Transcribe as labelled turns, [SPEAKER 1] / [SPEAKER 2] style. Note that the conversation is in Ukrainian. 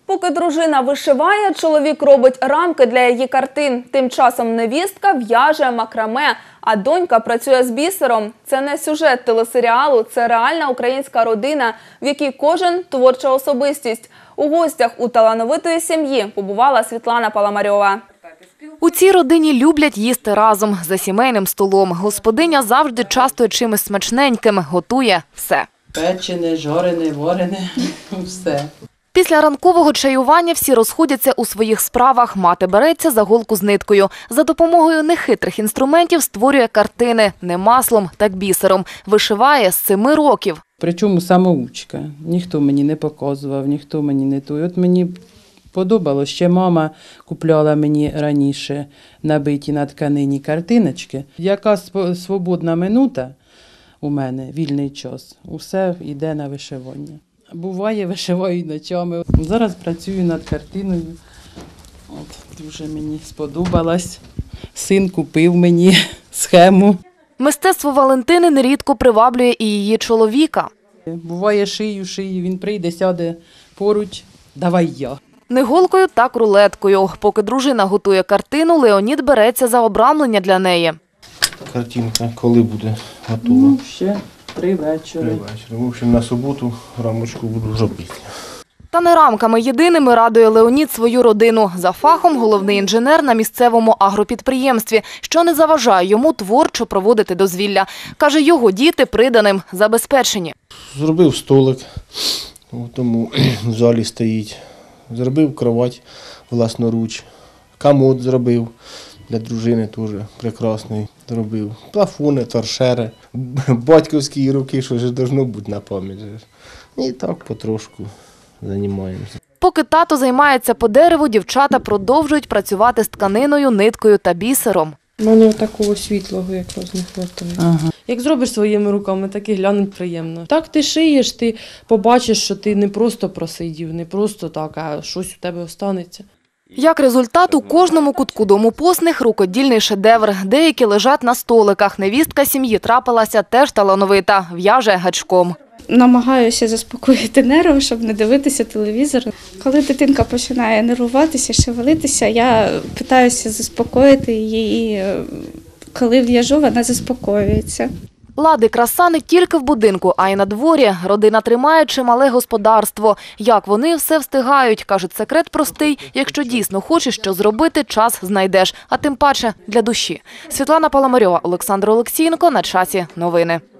[SPEAKER 1] Поки дружина вишиває, чоловік робить рамки для її картин. Тим часом невістка в'яже макраме, а донька працює з бісером. Це не сюжет телесеріалу, це реальна українська родина, в якій кожен – творча особистість. У гостях у талановитої сім'ї побувала Світлана Паламарьова.
[SPEAKER 2] У цій родині люблять їсти разом, за сімейним столом. Господиня завжди частує чимось смачненьким, готує все.
[SPEAKER 3] Печене, жорене, варене, все.
[SPEAKER 2] Після ранкового чаювання всі розходяться у своїх справах. Мати береться за голку з ниткою. За допомогою нехитрих інструментів створює картини не маслом, так бісером. Вишиває з 7 років.
[SPEAKER 3] Причому самоучка. Ніхто мені не показував, ніхто мені не той. От мені подобалось, ще мама купляла мені раніше набиті на тканині картиночки. Яка свободна минута у мене, вільний час, усе йде на вишивання. Буває, вишиваю ночами. Зараз працюю над картиною. От, дуже мені сподобалось. Син купив мені схему.
[SPEAKER 2] Мистецтво Валентини нерідко приваблює і її чоловіка.
[SPEAKER 3] Буває, шию, він прийде, сяде поруч, давай я.
[SPEAKER 2] Не голкою, так рулеткою. Поки дружина готує картину, Леонід береться за обрамлення для неї.
[SPEAKER 4] Картинка коли буде готова?
[SPEAKER 3] Ще 3 вечори.
[SPEAKER 4] В общем, на суботу рамочку буду робити.
[SPEAKER 2] Та не рамками єдиними радує Леонід свою родину. За фахом головний інженер на місцевому агропідприємстві, що не заважає йому творчо проводити дозвілля. Каже, його діти приданим забезпечені.
[SPEAKER 4] Зробив столик, тому в залі стоїть. Зробив кровать власноруч. Комод зробив для дружини теж прекрасний. Зробив плафони, торшери, батьківські руки, що ж должно бути на пам'ять. І так потрошку займаємося.
[SPEAKER 2] Поки тато займається по дереву, дівчата продовжують працювати з тканиною, ниткою та бісером.
[SPEAKER 5] У мене такого світлого якраз не вистачає.
[SPEAKER 3] Ага.
[SPEAKER 5] Як зробиш своїми руками, так і глянуть приємно. Так ти шиєш, ти побачиш, що ти не просто просидів, не просто так, а щось у тебе останеться.
[SPEAKER 2] Як результат, у кожному кутку дому Посних рукодільний шедевр. Деякі лежать на столиках. Невістка сім'ї трапилася теж талановита, в'яже гачком.
[SPEAKER 6] Намагаюся заспокоїти нерви, щоб не дивитися телевізор. Коли дитинка починає нервуватися, шевелитися, я намагаюся заспокоїти її, і коли в'яжу, вона заспокоюється.
[SPEAKER 2] Лади краса не тільки в будинку, а й на дворі. Родина тримає чимале господарство. Як вони все встигають, кажуть, секрет простий. Якщо дійсно хочеш що зробити, час знайдеш, а тим паче для душі. Світлана Паламарьова, Олександр Олексієнко. На часі новини.